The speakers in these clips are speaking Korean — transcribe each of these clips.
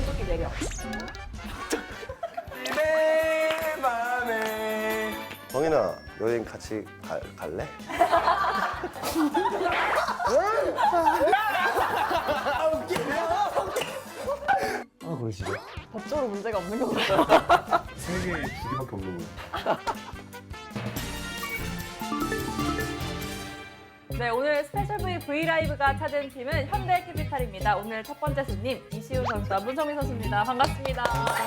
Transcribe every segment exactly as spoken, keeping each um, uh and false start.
오른쪽이 내려. 내 맘에. 정인아, 여행 같이 가, 갈래? 아, 그러시죠? 법적으로 문제가 없는 거 같아요. 세 개, 두 개밖에 없는 거예요. 네, 오늘 스페셜 V 브이라이브가 찾은 팀은 현대캐피탈입니다. 오늘 첫 번째 손님 이시우 선수와 문성민 선수입니다. 반갑습니다.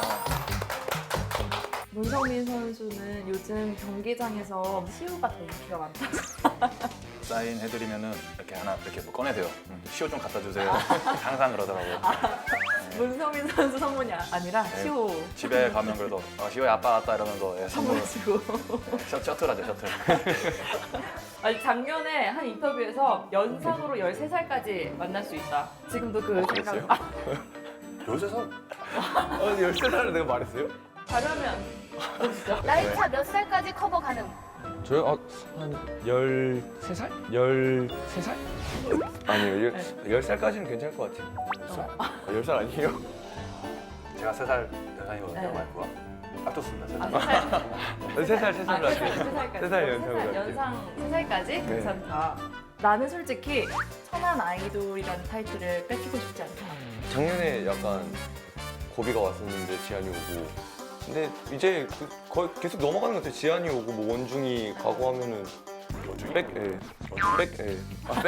문성민 선수는 요즘 경기장에서 시우가 더 인기가 많다. 사인 해드리면은 이렇게 하나 이렇게 뭐 꺼내세요. 음, 시호 좀 갖다 주세요. 항상 그러더라고요. 문성민 선수 선물이 아- 아니라 네. 시우 집에 가면 그래도 어, 시호야 아빠 왔다 이러면서 예, 선물 선물 주고. 셔, 셔틀하죠 셔틀. 아니, 작년에 한 인터뷰에서 연상으로 열세 살까지 만날 수 있다. 지금도 그 생각. 그랬어요? 아, 요새 선 아니, 열세 살을 내가 말했어요? 가려면 보시죠. 나이차 몇 살까지 커버 가능? 저요? 아, 한 열세 살? 열세 살? 아니요, 열, 열 살까지는 괜찮을 것 같아요. 아, 열 살 아니에요? 제가 세 살 대상이거든요. 네. 와이프가 딱 좋습니다. 세 아, 살. 세 살. 세 살, 세 아, 살로 세 살, 할게요. 세 살까지. 세 살 연상으로 세 살, 할게요. 연상 세 살까지 네. 괜찮다. 나는 솔직히 천안 아이돌이라는 타이틀을 뺏기고 싶지 않다. 작년에 약간 고비가 왔었는데 지한이 오고 근데 이제 그 거의 계속 넘어가는 것 같아요. 지한이 오고 뭐 원중이 가고 하면은 백, 예. 백, 예. 아,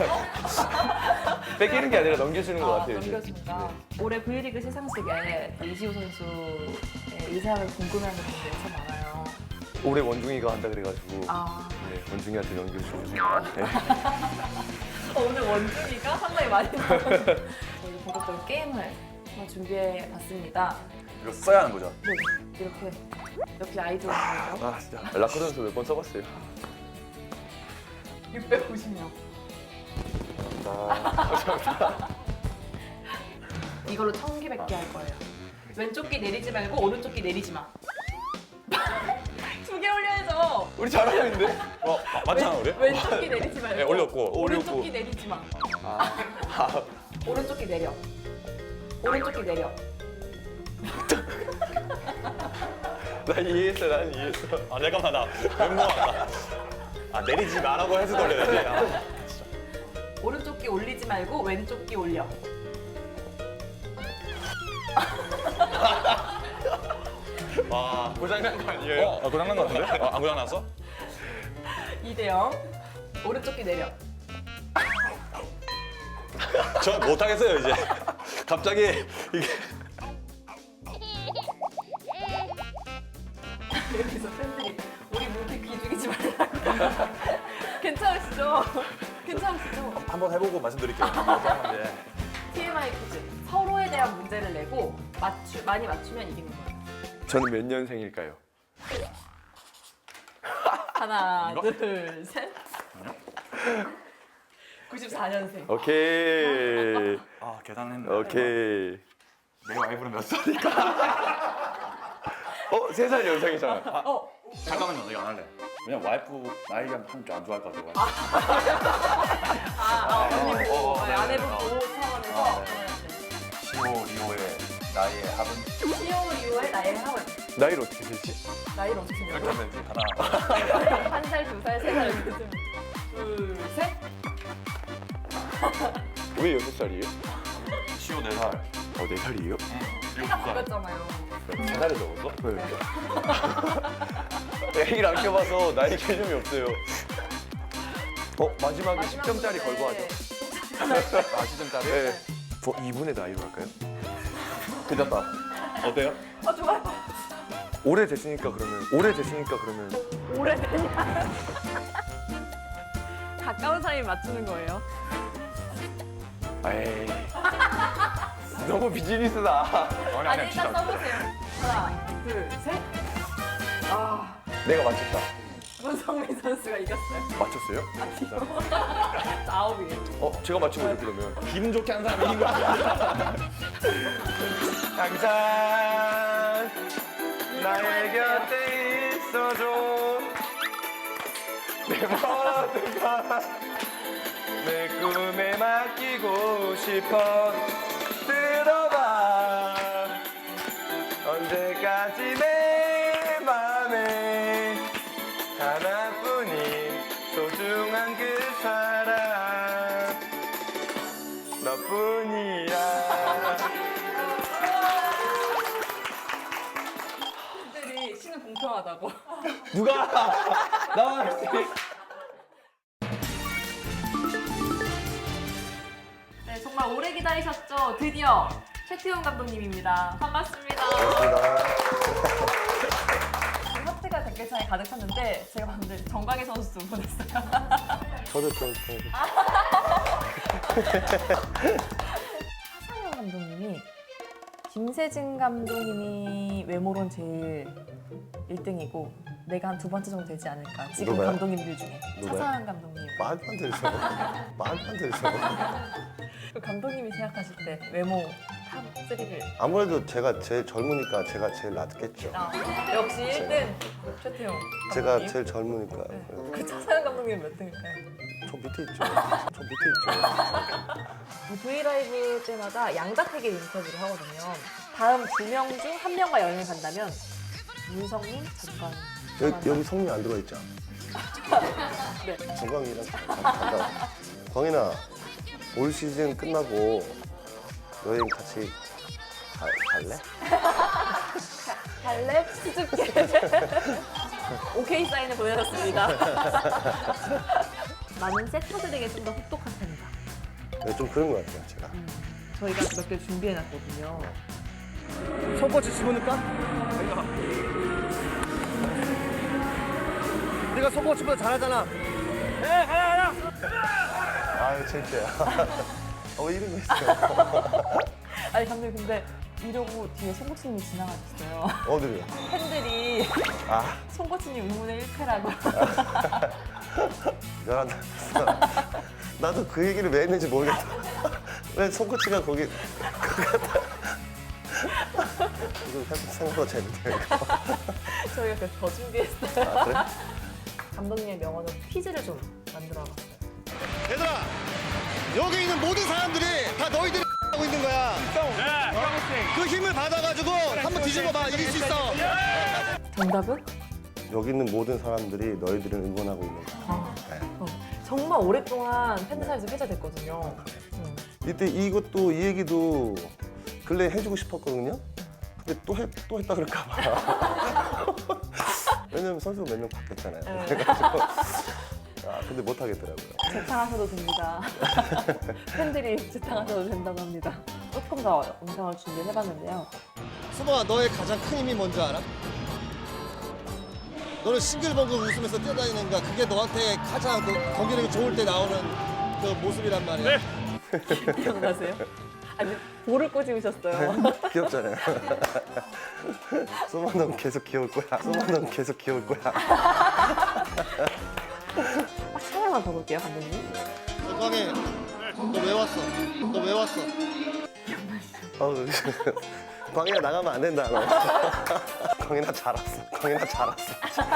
백. 뺏기는 게 아니라 넘겨주는 것 아, 같아요. 이제. 넘겨준다. 올해 V리그 시상식에 이시우 선수의 의상을 궁금해하는 분들이 참 많아요. 올해 원중이가 한다 그래가지고 아, 네, 원중이한테 넘겨주고 네. 어, 오늘 원준이가 상당히 많이 나오는 저희 본격적으로 게임을 한번 준비해봤습니다. 이거 써야 하는 거죠. 네, 이렇게 역시 아이돌이죠. 아 진짜 라커던서 몇 번 써봤어요. 육백오십 명. 이걸로 청기백기 할 거예요. 왼쪽 귀 내리지 말고 오른쪽 귀 내리지 마. 두 개 올려야죠. 우리 잘하고 있는데? 어 맞잖아 우리. 왼쪽 귀 내리지 말고 네, 올렸고. 오른쪽 올렸고. 귀 내리지 마. 아, 오른쪽 귀 내려. 오른쪽 귀 내려. 나 이해했어, 난 이해했어. 아 잠깐만 나 멘붕왔다. 아 내리지 말라고 해서 돌려야지. 아, 오른쪽 귀 올리지 말고 왼쪽 귀 올려. 와. 고장난 거 아니에요? 어, 아, 고장난 거 같은데? 어, 안 고장났어? 이 대 영. 오른쪽 귀 내려. 저 못하겠어요 이제. 갑자기 이게 여기서 팬들이 우리 모두 귀 죽이지 말라고. 괜찮으시죠? 괜찮으시죠? 한번 해보고 말씀드릴게요. 네. 티엠아이 퀴즈. 서로에 대한 문제를 내고 맞추, 많이 맞추면 이기는 거예요. 저는 몇 년생일까요? 하나, 이거? 둘, 셋. 구십사 년생. 오케이. 아 계산했네. 오케이. 내 와이프는 몇 살일까? 어, 세 살 연상이잖아. 어, 잠깐만요, 이거 안 할래. 왜냐면 와이프 나이가 한줄안 좋아할 것 같아요. 아, 아, 언니 어, 보고, 어, 네, 네, 아내분 네. 보호 차원에서 아, 네. 보내야지. 시오 리오의 나이의 합은 시오 이후에 나이를 하고 나이를 어떻게 되지? 나이를 어떻게 이렇게 생각해? 하면 이제 하나. 한 살, 두 살, 세 살 이렇게 쓰면 둘, 셋. 왜 여섯 살이에요? 시오 네 살. 어, 네 살이에요? 해가 바뀌었잖아요. 세 살이 적었어? 네. 애기를 안 껴봐서 나이 개념이 없어요. 어, 마지막에 십 점짜리 걸고 하죠. 아, 십 점짜리? 네. 어, 이분의 나이로 할까요? 괜찮다. 어때요? 아, 좋아요. 오래 됐으니까 그러면, 오래 됐으니까 그러면. 오래됐냐? 가까운 사이 맞추는 거예요. 에이. 너무 비즈니스다. 아니 아니, 아니 일단 진짜. 써보세요. 하나, 둘, 셋. 아, 내가 맞췄다. 문성민 선수가 이겼어요. 맞췄어요? 아니요. 아홉이에요. 어, 제가 맞춘 거죠, 그러면. 기분 좋게 한 사람이 이긴 거 아니야? 항상 나의 곁에 있어줘. 내 모든 걸내 꿈에 맡기고 싶어. 들어봐. 나뿐이야. 팬들이 쉬는 공평하다고. 누가 나왔지? 네, 정말 오래 기다리셨죠? 드디어 최태훈 감독님입니다. 반갑습니다. 반갑습니다. 지금 하트가 댓글창에 가득 찼는데 제가 봤는데 정광희 선수 보냈어요. 저도 좀 좀- 하상현 감독님이 김세진 감독님이 외모론 제일 일 등이고 내가 한 두 번째 정도 되지 않을까. 지금 누가요? 감독님들 중에 누가요? 차상현 감독님. 말도 안 되죠. 말도 안 되죠. 그 감독님이 생각하실 때 외모 탑 쓰리를 아무래도 제가 제일 젊으니까 제가 제일 낫겠죠. 아, 역시 일 등 최태훈 제가 감독님. 제일 젊으니까. 네. 그 차상현 감독님 몇 등일까요? 저 밑에 있죠. 저 밑에 있죠. 그 브이라이브 때마다 양자택일 인터뷰를 하거든요. 다음 두 명 중 한 명과 여행을 간다면 문성민, 전광희. 여기, 여기 성미 안 들어 있죠? 네. 정광이랑 간다. 광인아, 올 시즌 끝나고 여행 같이 가, 갈래? 갈래? 수줍게. 오케이 사인을 보내줬습니다. 많은 세터들에게 좀 더 혹독한 편이다. 네, 좀 그런 것 같아요, 제가. 저희가 몇 개 준비해놨거든요. 손꼬치 집어넣을까? 네가 손꼬치보다 잘하잖아. 네, 가라, 가라. 아유, 창피해요. 어, 왜 이런 거 있어요? 아니 감독님 근데 이러고 뒤에 송코치님이 지나가셨어요. 어디로요? 팬들이 아, 송코치님 의문의 일패라고. 미안하다. 나도 그 얘기를 왜 했는지 모르겠다. 왜 손꼬치가 거기. 이거 생각보다 재밌네요. 이거. 저희가 그래서 더 준비했어요. 아, 그래? 감독님의 명언으로 퀴즈를 좀 만들어봤어요. 얘들아, 여기 있는 모든 사람들이 다 너희들이 하고 있는 거야. 그 힘을 받아가지고 한번 뒤집어봐. 이길 수 있어. 정답은? 여기 있는 모든 사람들이 너희들을 응원하고 있는 거야. 아, 네. 어, 정말 오랫동안 팬들 사이에서 회자됐거든요. 음. 이때 이것도 이 얘기도 근래 해주고 싶었거든요. 근데 또, 해, 또 했다 그럴까 봐. 왜냐면 선수가 몇 명 바뀌었잖아요. 네. 그래가지고 아, 근데 못 하겠더라고요. 재탕하셔도 됩니다. 팬들이 재탕하셔도 된다고 합니다. 조금 더 영상을 준비해봤는데요. 수범아, 너의 가장 큰 힘이 뭔지 알아? 너는 싱글벙글 웃으면서 뛰어다니는 거야. 그게 너한테 가장 그 경기력이 좋을 때 나오는 그 모습이란 말이야. 기억나세요? 아니 볼을 꼬집으셨어요. 귀엽잖아요. 소만 넌 계속 귀여울 거야. 소만 넌 계속 귀여울 거야. 딱 하나만 더 볼게요, 감독님. 건강해. 너 왜 왔어? 너 왜 왔어? 어우, 광희야 나가면 안 된다 너. 광희나 잘 왔어. 광희나 잘 왔어.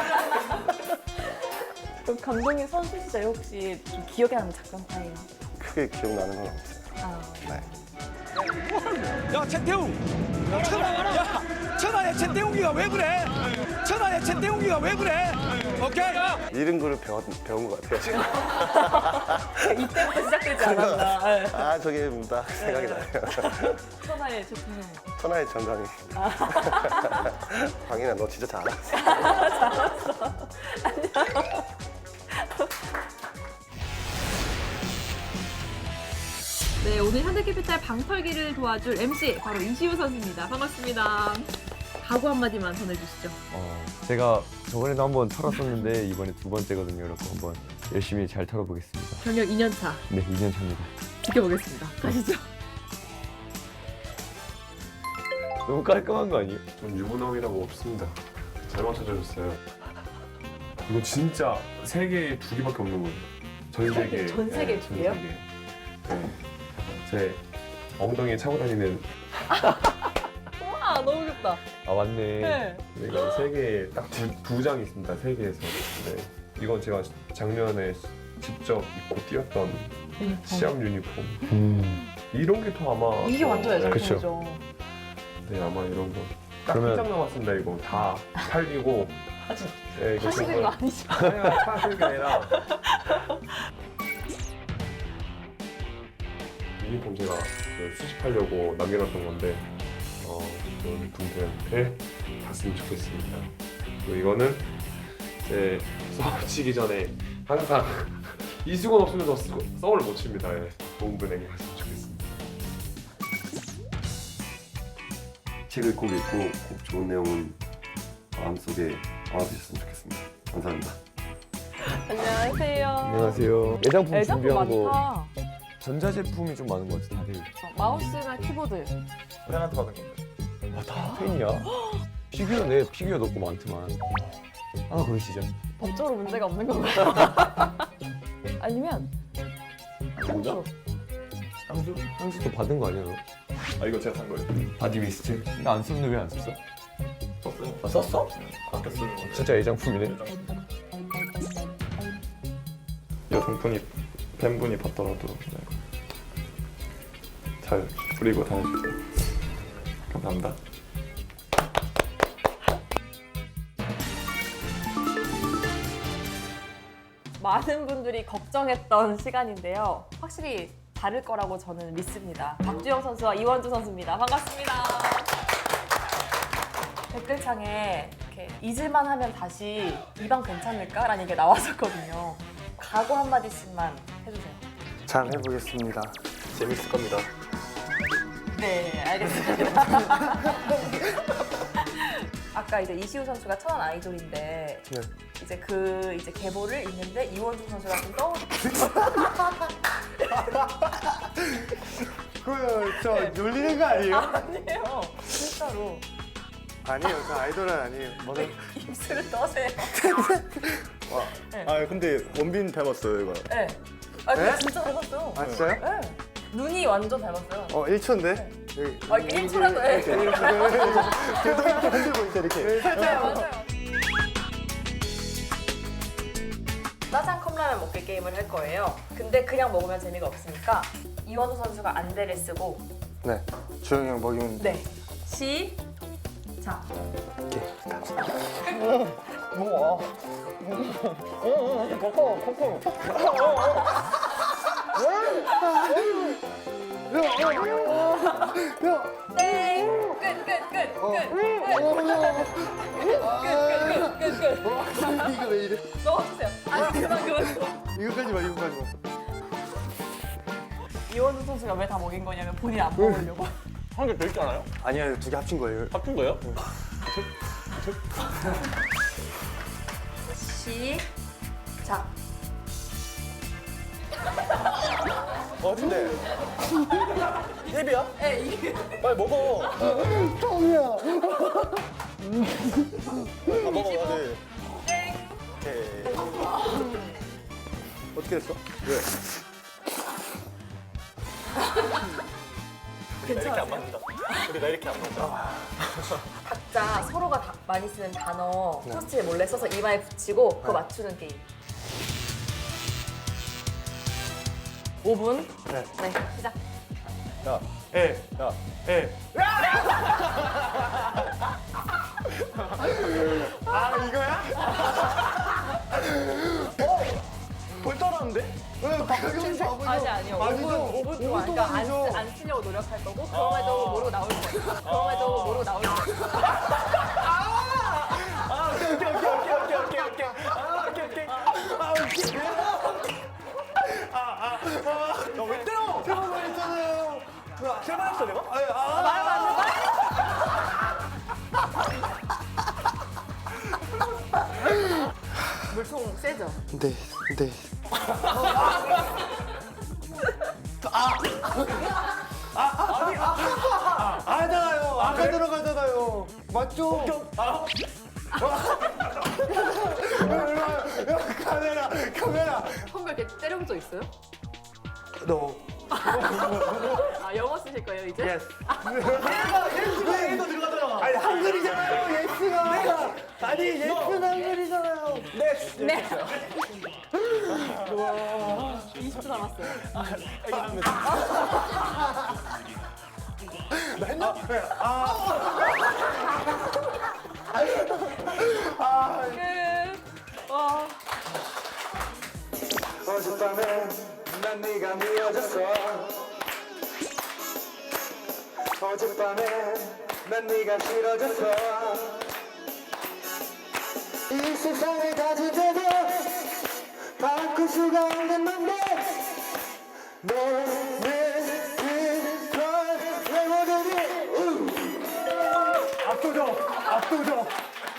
그럼 감독님 선수 시절에 혹시 좀 기억에 남는 작전 타임? 크게 기억나는 건 없어요. 아, 네. 야 최태웅 천안 야 천안에 최태웅이가 왜 그래 천안에 최태웅이가 왜 그래 오케이 이런 거를 배웠, 배운 것 같아요 지금. 이때부터 시작되지 않았나. 네. 아 저게 딱 생각이 나요. 천하의 최태훈. 천하의 정강이. 광인아 너 진짜 잘했어. 네, 오늘 현대캐피탈 방털기를 도와줄 엠씨 바로 이시우 선수입니다. 반갑습니다. 각오 한마디만 전해주시죠. 어, 제가 저번에도 한번 털었었는데 이번에 두 번째거든요. 그래서 한번 열심히 잘 털어보겠습니다. 경력 이 년 차 네, 이 년 차입니다. 지켜보겠습니다. 가시죠. 너무 깔끔한 거 아니에요? 전 유부남이라고 없습니다. 잘 맞춰주셨어요. 이거 진짜 세계에 두 개밖에 없는 거예요. 전 세계. 전 세계에 두 개요? 네. 제 엉덩이에 차고 다니는. 와, 너무 귀엽다. 아 맞네. 네. 이거 세계에 딱 두 장이 있습니다. 세계에서. 네. 이건 제가 작년에 직접 입고 뛰었던 시합 유니폼. 음. 이런 게 더 아마. 이게 더- 완전 네, 애정품이죠. 네, 아마 이런 거. 딱 그러면- 한 장 남았습니다. 이거 다 팔리고. 아, 진짜 네, 이거 하시는 정말- 거 아니죠? 아니요, 파는 게 아니라 유니폼 제가 그 수집하려고 남겨놨던 건데 어, 좀 분들한테 봤으면 좋겠습니다. 그리고 이거는 제 서울 치기 전에 항상 이수건 없으면 저 쓰고- 서울을 못 칩니다. 예. 좋은 분에게 갔으면 좋겠습니다. 책을 꼭 읽고 꼭 좋은 내용은 마음속에 담아두셨으면 좋겠습니다. 감사합니다. 안녕하세요. 안녕하세요. 애장품 애장품 준비한 거 많다. 전자제품이 좀 많은 것 같아 다들. 마우스나 키보드. 팬한테 받은 건데. 아, 다 팬이야? 피규어 내 피규어 넣고 많더만. 하나 고르시죠. 법적으로 문제가 없는 건가요? 아니면 뭐죠? 향수? 향수도 받은 거 아니야 너? 아 이거 제가 산 거예요. 바디 미스트? 나 안 썼는데 왜 안 썼어? 썼어요. 아, 썼어? 아껴 쓰는 건데. 진짜 애장품이네. 여성분이 팬분이 봤더라도 네. 잘 부리고 다녀주세요. 감사합니다. 많은 분들이 걱정했던 시간인데요. 확실히 다를 거라고 저는 믿습니다. 박주영 선수와 이원주 선수입니다. 반갑습니다. 댓글창에 이렇게 잊을만 하면 다시 이 방 괜찮을까? 라는 얘기가 나왔었거든요. 각오 한마디씩만 해주세요. 잘 해보겠습니다. 재밌을 겁니다. 네, 알겠습니다. 아까 이제 이시우 선수가 천안 아이돌인데 네. 이제 그 이제 계보를 읽는데 이원주 선수가 좀 떠오르. 그거 저 놀리는 거 아니에요? 아니에요, 진짜로. 아니에요. 저 아이돌은 아니에요. 왜 입술을 떠세요? 아 근데 원빈 닮았어요 이거. 네. 아, 근데 네? 진짜 닮았어요. 아 진짜요? 네. 눈이 완전 닮았어요. 어 일 초인데? 여기. 아, 이게 일 초라도 해. 이렇게 이렇게 계속 이렇게 흔들고 있어 이렇게. 맞아요, 맞아요. 짜장 컵라면 먹기 게임을 할 거예요. 근데 그냥 먹으면 재미가 없으니까 이원우 선수가 안대를 쓰고 네. 주영이 형 먹이면. 네. 시작. 땡! 끝, 끝, 끝, 끝, 끝, 끝, 끝, 끝, 끝, 끝. 이거 왜 이래? 넣어주세요. 아니, 그만, 그만, 그만. 이거까지 마 이거까지 마. 이원우 선수가 왜 다 먹인 거냐면 본인 안 먹으려고. 한 개 더 있잖아요. 아니야 두 개 합친 거예요. 합친 거예요? 시작. 어 근데 예비야? 네, 이게. 빨리 먹어. 똥이야. 아 먹어. 네. 오케이. 어떻게 됐어? 왜? 괜찮아요. 우리 나 이렇게 안 맞아. 각자 서로가 다 많이 쓰는 단어 포스트잇 몰래 써서 이마에 붙이고 그거 맞추는 게임. 오 분. 네. 네, 시작. 야, 에, 야, 에. 아 이거야? 어? 벌 따라하는데? 왜 박경수 바보죠? 아니 아니요. 오 분, 오 분 동안 그러니까 안, 쓰, 안 쓰려고 노력할 거고 그럼에도 모르고 나올 거예요. 그럼에도 모르고 나올 거예요. 아 오케이 오케이 오케이 오케이 오케이 오케이 오케이. 아 오케이 오케이. 아 오케이. 아아아너왜 때려? 제발 말했잖아요. 제발 했어 내가? 아 아. 말 맞는 말. 물총 세죠? 네, 네. 아잖아요. 아까 들어가잖아요. 맞죠? 아. 카메라, 카메라. 선배 이렇게 때려본 적 있어요? 너. 아 영어 쓰실 거예요 이제? 예스. 얘가 예스가 얘도 들어가잖아. 아니 한글이잖아요. 예스가. 아니 예스는 한글이잖아요. 네. 네. 이십 초 남았어요. 나 했나? 네. 아. 아. 끝. 와. 어젯밤에 난 네가 미워졌어. 어젯밤에 난 네가 싫어졌어. 이 세상을 가진 데도 바꿀 수가 없는 맘대 너는 그걸 왜 모르니. 압도적 압도적.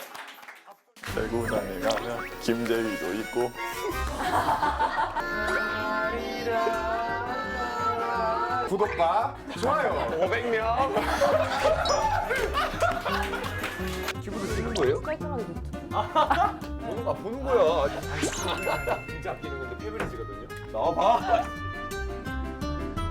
대구장에 가면 김재휘도 있고 구독과 좋아요. 오백 명. 기분도 쓰는 거예요? 깔끔하게 노트. 보는, 아, 보는 거야. 진짜 아끼는 건데 페브리즈거든요. 나와봐.